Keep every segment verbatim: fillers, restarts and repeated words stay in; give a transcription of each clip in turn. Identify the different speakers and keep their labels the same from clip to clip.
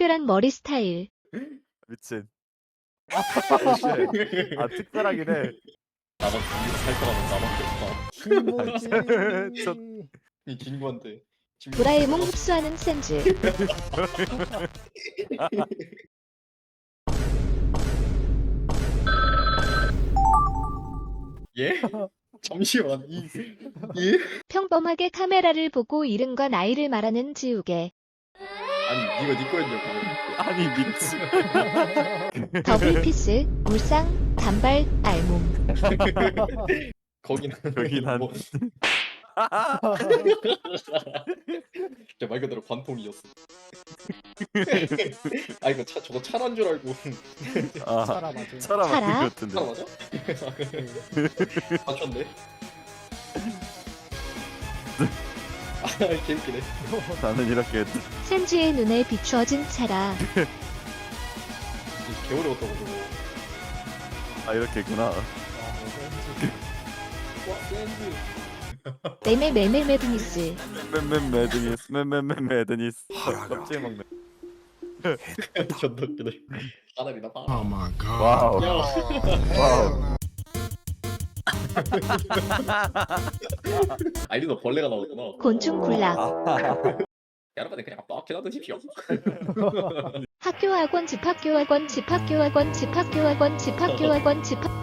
Speaker 1: 특별한 머리 스타일.
Speaker 2: 미친. 오쉣. 아 특별하긴 해.
Speaker 3: 나만 이거 살 사람은 나밖에 없다.
Speaker 2: 저-
Speaker 4: 김모지.
Speaker 3: 이 친구한테 친구-
Speaker 1: 도라에몽 흡수하는 센즈.
Speaker 3: 예? 잠시만 이 예?
Speaker 1: 평범하게 카메라를 보고 이름과 나이를 말하는 지우개.
Speaker 3: 아니 이거 네 거였냐고.
Speaker 2: 아니 미친.
Speaker 1: 더블 피스, 울상, 단발, 알몸.
Speaker 3: 거긴
Speaker 2: 거긴 한-
Speaker 3: 뭐... 진짜 말 그대로 관통이었어. 아 이거 차 저거 차란 줄 알고.
Speaker 2: 아
Speaker 4: 차라 맞아.
Speaker 2: 차라
Speaker 1: 차라?
Speaker 2: 맞는 것
Speaker 3: 차
Speaker 2: 같은데.
Speaker 3: 맞아? 맞췄네. 아 개웃기네.
Speaker 2: 나는 이렇게 했다.
Speaker 1: 센즈의 눈에 비추어진 차라.
Speaker 3: 개어려웠다고 저거.
Speaker 2: 아 이렇게구나.
Speaker 3: 와 샌드.
Speaker 1: 매매 매매 매드니스.
Speaker 2: 맨맨 매드니스 맨맨맨 매드니스. 껍질 먹네.
Speaker 3: 존나 웃기네. 하늘이나 봐.
Speaker 5: Oh my god.
Speaker 2: 와우.
Speaker 3: 야.
Speaker 2: 와우.
Speaker 3: 아이디도 벌레가 나오잖아.
Speaker 1: 곤충 굴락.
Speaker 3: 여러분들 그냥 뻑해놔 드십시오.
Speaker 1: 학교 학원 집학교 학원 집학교 학원 집학교 학원 집학교 학원 집학.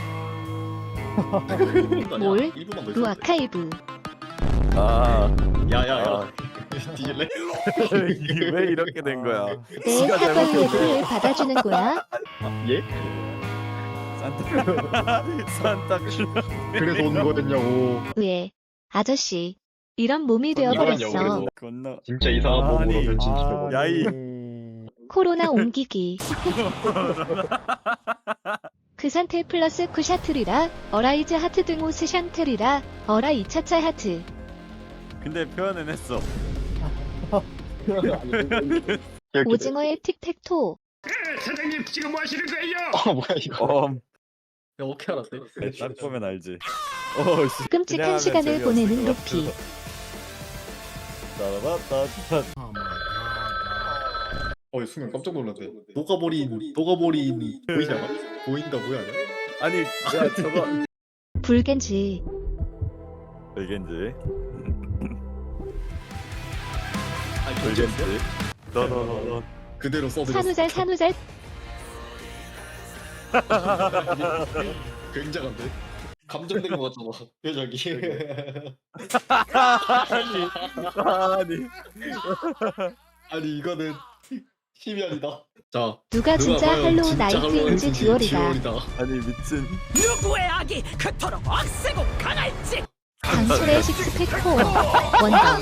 Speaker 1: 뭘?
Speaker 3: 일부만 더
Speaker 1: 루
Speaker 3: 있었는데.
Speaker 1: 아카이브.
Speaker 2: 아
Speaker 3: 야야야.
Speaker 2: 아.
Speaker 3: 뒤질래?
Speaker 2: 이게 왜 이렇게 된 거야?
Speaker 1: 내
Speaker 2: 지가
Speaker 1: 학원
Speaker 2: 잘못했어.
Speaker 1: 예불을 받아주는 거야.
Speaker 3: 예?
Speaker 2: 산타 산타 클로.
Speaker 3: 그래서 온 거였냐고.
Speaker 1: 왜? 아저씨. 이런 몸이 되어버렸어.
Speaker 3: 그래서.
Speaker 2: 건너.
Speaker 3: 진짜 이상한
Speaker 2: 아니.
Speaker 3: 몸으로 변신시켜.
Speaker 4: 아,
Speaker 2: 야이.
Speaker 1: 코로나 옮기기. 그 상태 플러스 쿠샤트리라. 어라이즈 하트 등호 스샨트리라. 어라 이차차 하트.
Speaker 2: 근데 표현은 했어.
Speaker 1: 오징어의 틱택토.
Speaker 5: 사장님 지금 뭐 하시는 거예요?
Speaker 3: 아 뭐야 이거.
Speaker 2: 엄.
Speaker 3: 야 어떻게 알았대?
Speaker 2: 딱 보면 알지. 어 씨.
Speaker 1: 끔찍한
Speaker 2: 그냥
Speaker 1: 시간을
Speaker 2: 하면
Speaker 1: 보내는
Speaker 2: 재미없을 것
Speaker 1: 루피.
Speaker 2: 같아. 따라바따따.
Speaker 5: Oh my god.
Speaker 3: 어 순간 깜짝 놀랐네. 녹아버린 녹아버린 보이지 않아? 보인다 뭐야 아니야?
Speaker 2: 아니 야 저거.
Speaker 1: 불겐지.
Speaker 2: 이겐지.
Speaker 3: 아니
Speaker 2: 불겐지. 너너너너.
Speaker 3: 그대로 써드렸어.
Speaker 1: 산후잘 산후잘.
Speaker 3: 굉장한데? 감정된 거 같잖아 표정이.
Speaker 2: 아니 아니.
Speaker 3: 아니 이거는 힘이 아니다. 자
Speaker 1: 누가 진짜
Speaker 3: 과연
Speaker 1: 할로우
Speaker 3: 진짜
Speaker 1: 나이트인지
Speaker 3: 할로윈인지
Speaker 1: 듀얼이다.
Speaker 2: 아니 미친.
Speaker 6: 누구의 악이 그토록 억세고 강할지.
Speaker 1: 강철의 식스팩 코어. 원더.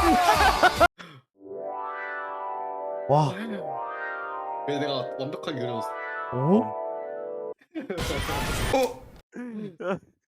Speaker 4: 와.
Speaker 3: 그래서 내가 완벽하게 그려줬어.
Speaker 4: 오?